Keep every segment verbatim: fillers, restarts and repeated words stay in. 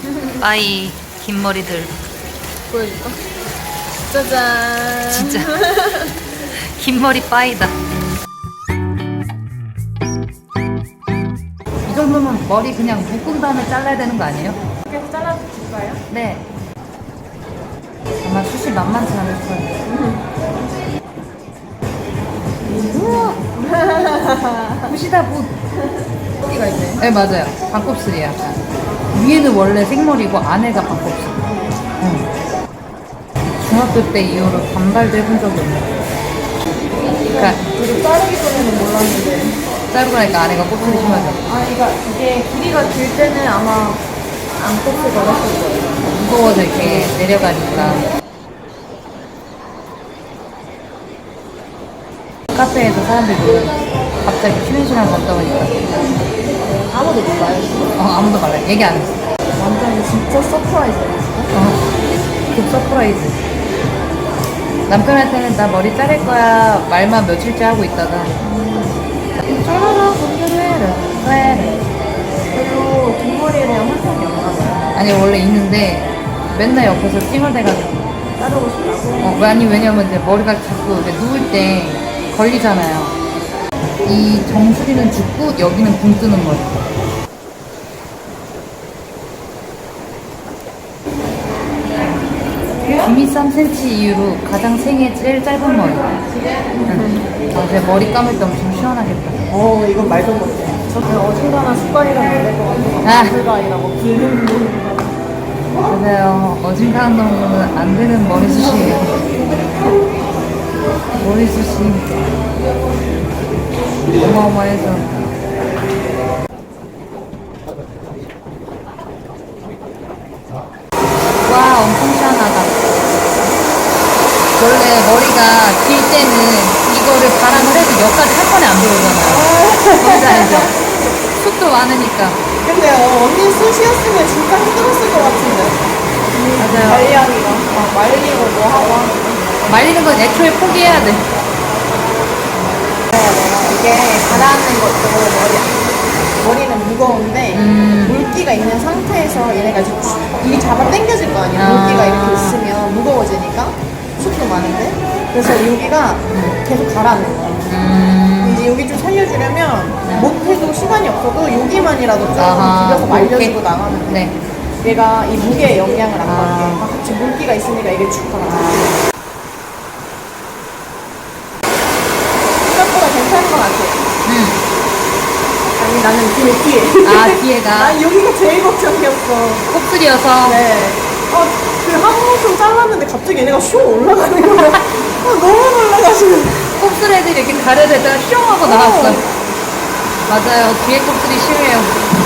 빠이 긴 머리들. 보여줄까? 짜잔. 진짜 긴 머리 빠이다. 이 정도면 머리 그냥 묶은 다음에 잘라야 되는 거 아니에요? 이렇게 잘라줄까요? 네. 아마 숱이 만만치 않을 거예요. 우와. 붓이다 붓. 여기가 있네. 네 맞아요. 반곱슬이야. 위에는 원래 생머리고 안에가 반곱슬. 응. 중학교 때 이후로 단발도 해본 적이 없네. 그러니까 이거 자르기 전에는 몰랐는데. 자르고 나니까 안에가 곱슬이 심하죠. 아, 이거 이게 길이가 길 때는 아마 안 꼽을 거였을 거예요. 무거워서 이렇게 내려가니까. 카페에서 사람들이 모여 갑자기 쉬는 시간 걷다 보니까 아무도 몰라요, 지금? 어 아무도 말라 얘기 안 했어. 완전 진짜 서프라이즈네, 지금. 어, 그 서프라이즈. 남편한테는 나 머리 자를 거야 말만 며칠째 하고 있다가 쫄아라 공개를 해라 왜 별로 뒷머리에 대한 환상이 없나 봐요. 아니 원래 있는데 맨날 옆에서 찡얼대가지고 자르고 싶다고? 어, 아니 왜냐면 이제 머리가 자꾸 이제 누울 때 걸리잖아요. 이 정수리는 죽고 여기는 붕 뜨는 머리. 귀미 삼 센티미터 이후로 가장 생애 제일 짧은 머리. 응. 아, 제 머리 감을 때 엄청 시원하겠다. 어, 이건 말도 못해. 저는 어중간한 습관이라면 안될 것 같아요. 아. 불가이라고 붉은 분. 맞아요. 어중간한 놈은 안 되는 머리숱이에요. 머리숱이 어마어마해서. 와, 엄청 시원하다. 원래 머리가 길 때는 이거를 바람을 해도 여기까지 한 번에 안 들어오잖아요. 뭔지 알죠? 숱도 많으니까. 근데 어, 언니 숱이었으면 진짜 힘들었을 것 같은데. 맞아요. 관리하기가. 아, 말리고 뭐 하고 하는 거. 말리는 건 애초에 포기해야 돼. 이게 가라앉는 것도 머리, 머리는 무거운데 음. 물기가 있는 상태에서 얘네가 이제 이 잡아 당겨질 거 아니야. 아. 물기가 이렇게 있으면 무거워지니까 숱도 많은데 그래서 여기가 계속 가라앉는 거야. 음. 이제 여기 좀 살려주려면 못해도 시간이 없어도 여기만이라도 좀 아하, 비벼서 말려주고 오케이. 나가면 돼. 네. 얘가 이 무게에 영향을 안 아. 받게 다 같이 물기가 있으니까 이게 쭉 가라앉아. 생각보다 괜찮은 것 같아. 음. 아니 나는 뒤에 뒤에 아, 뒤에가 난 여기가 제일 걱정이었어. 곱슬이어서. 네. 아, 그 한모좀 잘랐는데 갑자기 얘네가 슉 올라가는 거야. 아, 너무 놀라가지고. 곱슬 애들이 이렇게 가려대다가 슝 하고 나갔어. 맞아요. 뒤에 곱슬이 심해요.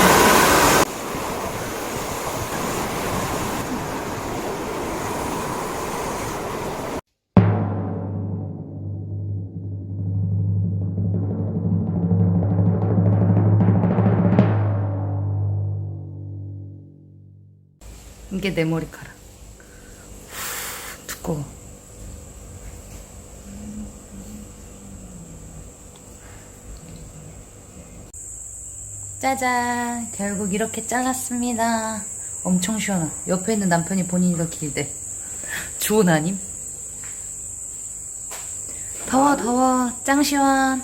이게 내 머리카락. 후, 두꺼워. 짜잔, 결국 이렇게 잘랐습니다. 엄청 시원하. 옆에 있는 남편이 본인이 더 길대. 주온 아님? 더워 더워 짱 시원.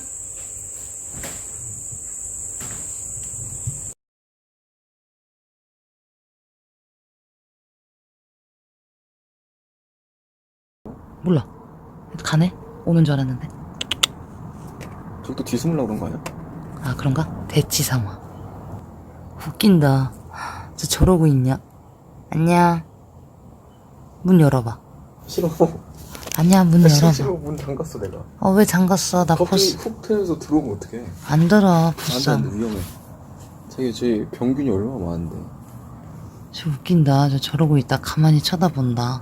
몰라. 가네? 오는 줄 알았는데. 저것도 뒤숨으려고 그런 거 아니야? 아 그런가? 대치상화. 웃긴다. 저 저러고 있냐? 안녕. 문 열어봐. 싫어. 아니야 문 싫어, 열어봐. 싫어. 문 잠갔어 내가. 어 왜 잠갔어? 나 갑자기 벌써 훅 트여서 들어오면 어떡해. 안 들어. 안돼 벌써. 안돼 위험해. 자기 제 병균이 얼마나 많은데. 저 웃긴다. 저 저러고 있다 가만히 쳐다본다.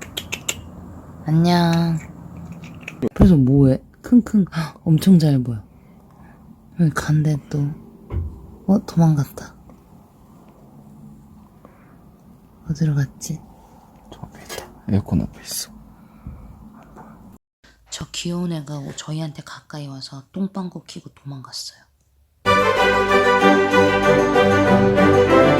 안녕. 그래서 뭐해? 킁킁. 헉, 엄청 잘 보여. 여기 간대 또. 어 도망갔다. 어디로 갔지? 저 앞에 있다. 에어컨 앞에 있어. 저 귀여운 애가 저희한테 가까이 와서 똥방구 키고 도망갔어요.